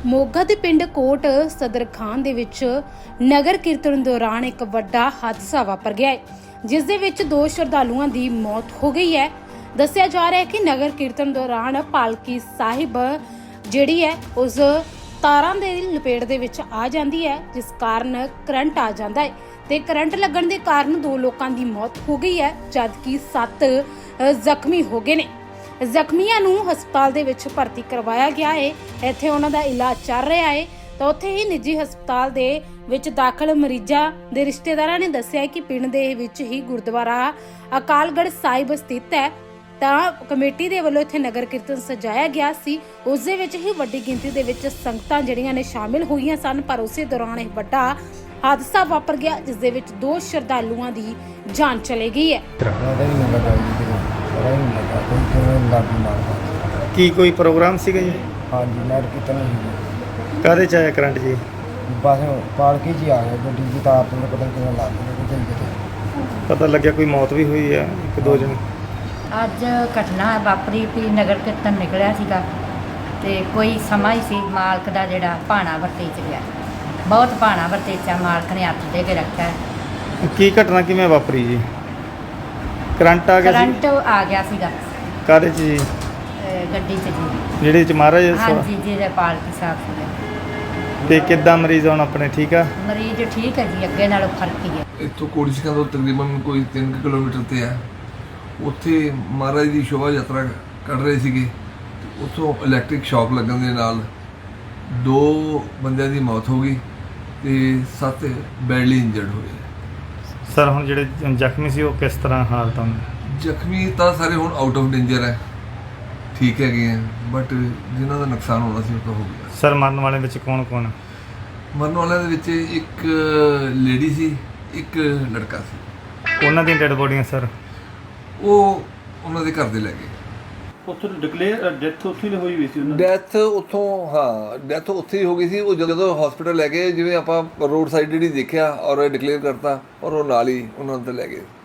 ਮੋਗਾ ਦੇ ਪਿੰਡ ਕੋਟ ਸਦਰ ਖਾਨ ਦੇ ਵਿੱਚ ਨਗਰ ਕੀਰਤਨ ਦੌਰਾਨ ਇੱਕ ਵੱਡਾ ਹਾਦਸਾ ਵਾਪਰ ਗਿਆ ਹੈ, ਜਿਸ ਦੇ ਵਿੱਚ 2 ਸ਼ਰਧਾਲੂਆਂ ਦੀ ਮੌਤ ਹੋ ਗਈ ਹੈ। ਦੱਸਿਆ ਜਾ ਰਿਹਾ ਹੈ ਕਿ ਨਗਰ ਕੀਰਤਨ ਦੌਰਾਨ ਪਾਲਕੀ ਸਾਹਿਬ ਜਿਹੜੀ ਹੈ ਉਸ ਤਾਰਾਂ ਦੇ ਲਪੇਟ ਦੇ ਵਿੱਚ ਆ ਜਾਂਦੀ ਹੈ, ਜਿਸ ਕਾਰਨ ਕਰੰਟ ਆ ਜਾਂਦਾ ਹੈ ਤੇ ਕਰੰਟ ਲੱਗਣ ਦੇ ਕਾਰਨ 2 ਲੋਕਾਂ ਦੀ ਮੌਤ ਹੋ ਗਈ ਹੈ, ਜਦਕਿ 7 ਜ਼ਖਮੀ ਹੋ ਗਏ ਨੇ। ਜ਼ਖਮੀਆਂ ਨੂੰ ਹਸਪਤਾਲ ਦੇ ਵਿੱਚ ਭਰਤੀ ਕਰਵਾਇਆ ਗਿਆ ਹੈ। ਇੱਥੇ ਉਹਨਾਂ ਦਾ ਇਲਾਜ ਚੱਲ ਰਿਹਾ ਹੈ। ਤਾਂ ਉੱਥੇ ਹੀ ਨਿੱਜੀ ਹਸਪਤਾਲ ਦੇ ਵਿੱਚ ਦਾਖਲ ਮਰੀਜ਼ਾਂ ਦੇ ਰਿਸ਼ਤੇਦਾਰਾਂ ਨੇ ਦੱਸਿਆ ਕਿ ਪਿੰਡ ਦੇ ਵਿੱਚ ਹੀ ਗੁਰਦੁਆਰਾ ਅਕਾਲਗੜ੍ਹ ਸਾਹਿਬ ਸਥਿਤ ਹੈ। ਤਾਂ ਕਮੇਟੀ ਦੇ ਵੱਲੋਂ ਇੱਥੇ ਨਗਰ ਕੀਰਤਨ ਸਜਾਇਆ ਗਿਆ ਸੀ। ਉਸ ਦੇ ਵਿੱਚ ਹੀ ਵੱਡੀ ਗਿਣਤੀ ਦੇ ਵਿੱਚ ਸੰਗਤਾਂ ਜਿਹੜੀਆਂ ਨੇ ਸ਼ਾਮਿਲ ਹੋਈਆਂ ਸਨ, ਪਰ ਉਸੇ ਦੌਰਾਨ ਇਹ ਵੱਡਾ ਹਾਦਸਾ ਵਾਪਰ ਗਿਆ, ਜਿਸ ਦੇ ਵਿੱਚ 2 ਸ਼ਰਧਾਲੂਆਂ ਦੀ ਜਾਨ ਚਲੀ ਗਈ ਹੈ। ਕੀ ਕੋਈ ਪ੍ਰੋਗਰਾਮ ਸੀਗਾ ਜੀ? हाँ जी नगर कीर्तन ही ਕਾਹਦੇ ਚ ਆਇਆ ਕਰੰਟ ਜੀ? बस पालकी जी आ गए गड्डी की तार तो पता नहीं कितना लग गई कितने ਪਤਾ ਲੱਗਿਆ ਕੋਈ ਮੌਤ ਵੀ ਹੋਈ ਹੈ, 1-2 ਜਣ। ਅੱਜ ਘਟਨਾ ਵਾਪਰੀ ਵੀ ਨਗਰ ਕੀਰਤਨ ਨਿਕਲਿਆ ਸੀਗਾ ਤੇ ਕੋਈ ਸਮਾਂ ਹੀ ਸੀ ਮਾਲਕ ਦਾ ਜਿਹੜਾ ਭਾਣਾ ਵਰਤੇ ਚ ਗਿਆ। ਬਹੁਤ ਭਾਣਾ ਵਰਤੇ ਚ ਮਾਲਕ ਨੇ ਹੱਥ ਦੇ ਕੇ ਰੱਖਿਆ। ਕੀ ਘਟਨਾ ਕਿਵੇਂ ਵਾਪਰੀ ਜੀ? ਕਰੰਟ ਆ ਗਿਆ ਸੀ? ਕਰੰਟ ਆ ਗਿਆ ਸੀਗਾ ਕਾਹਦੇ ਚ ਜੀ? ਗੱਡੀ ਚ ਜੀ। ਜਿਹੜੇ ਚ ਮਹਾਰਾਜ ਹਾਂਜੀ ਜਿਹਦੇ ਪਾਲਕੀ ਸਾਹਿਬ ਸੀਗੇ। ਤੇ ਕਿੱਦਾਂ ਮਰੀਜ਼ ਹੁਣ ਆਪਣੇ ਠੀਕ ਆ? ਮਰੀਜ਼ ਠੀਕ ਹੈ ਜੀ, ਅੱਗੇ ਨਾਲੋਂ ਫਰਕ ਹੀ ਹੈ। ਇੱਥੋਂ ਕੋੜੀਸਕਾਂ ਤੋਂ ਤਕਰੀਬਨ ਕੋਈ 3 ਕਿਲੋਮੀਟਰ ਤੇ ਹੈ। ਉੱਥੇ ਮਹਾਰਾਜ ਦੀ ਸ਼ੋਭਾ ਯਾਤਰਾ ਕੱਢ ਰਹੇ ਸੀਗੇ। ਉੱਥੋਂ ਇਲੈਕਟ੍ਰਿਕ ਸ਼ੌਕ ਲੱਗਣ ਦੇ ਨਾਲ 2 ਬੰਦਿਆਂ ਦੀ ਮੌਤ ਹੋ ਗਈ ਤੇ 7 ਬੈਡਲੀ ਇੰਜਰਡ ਹੋਏ। ਸਰ ਹੁਣ ਜਿਹੜੇ ਜ਼ਖਮੀ ਸੀ ਉਹ ਕਿਸ ਤਰ੍ਹਾਂ ਹਾਲਤ ਹਨ? ਜ਼ਖਮੀ ਤਾਂ ਸਾਰੇ ਹੁਣ ਆਊਟ ਆਫ ਡੇਂਜਰ ਹੈ, ਠੀਕ ਹੈਗੇ ਆ, ਬਟ ਜਿਨ੍ਹਾਂ ਦਾ ਨੁਕਸਾਨ ਹੋਣਾ ਸੀ ਉਹ ਤਾਂ ਹੋ ਗਿਆ। ਸਰ ਮਰਨ ਵਾਲੇ ਵਿੱਚ ਕੌਣ? ਮਰਨ ਵਾਲਿਆਂ ਦੇ ਵਿੱਚ ਇੱਕ ਲੇਡੀ ਸੀ, ਇੱਕ ਲੜਕਾ ਸੀ। ਉਹਨਾਂ ਦੀਆਂ ਡੈਡ ਬੋਡੀਆਂ ਸਰ? ਉਹ ਉਹਨਾਂ ਦੇ ਘਰ ਦੇ ਲੈ ਗਏ। ਉੱਥੋਂ ਡਿਕਲੇਅਰ ਡੈਥ ਉੱਥੇ ਹੀ ਹੋਈ ਸੀ ਉਹਨਾਂ ਦੀ। ਡੈਥ ਉੱਥੋਂ, ਹਾਂ ਡੈਥ ਉੱਥੇ ਹੀ ਹੋ ਗਈ ਸੀ। ਉਹ ਜਦੋਂ ਹਸਪੀਟਲ ਲੈ ਗਏ, ਜਿਵੇਂ ਆਪਾਂ ਰੋਡ ਸਾਈਡ ਜਿਹੜੀ ਦੇਖਿਆ ਔਰ ਡਿਕਲੇਅਰ ਕਰਤਾ ਔਰ ਉਹ ਨਾਲ ਹੀ ਉਹਨਾਂ ਨੂੰ ਤਾਂ ਲੈ ਗਏ।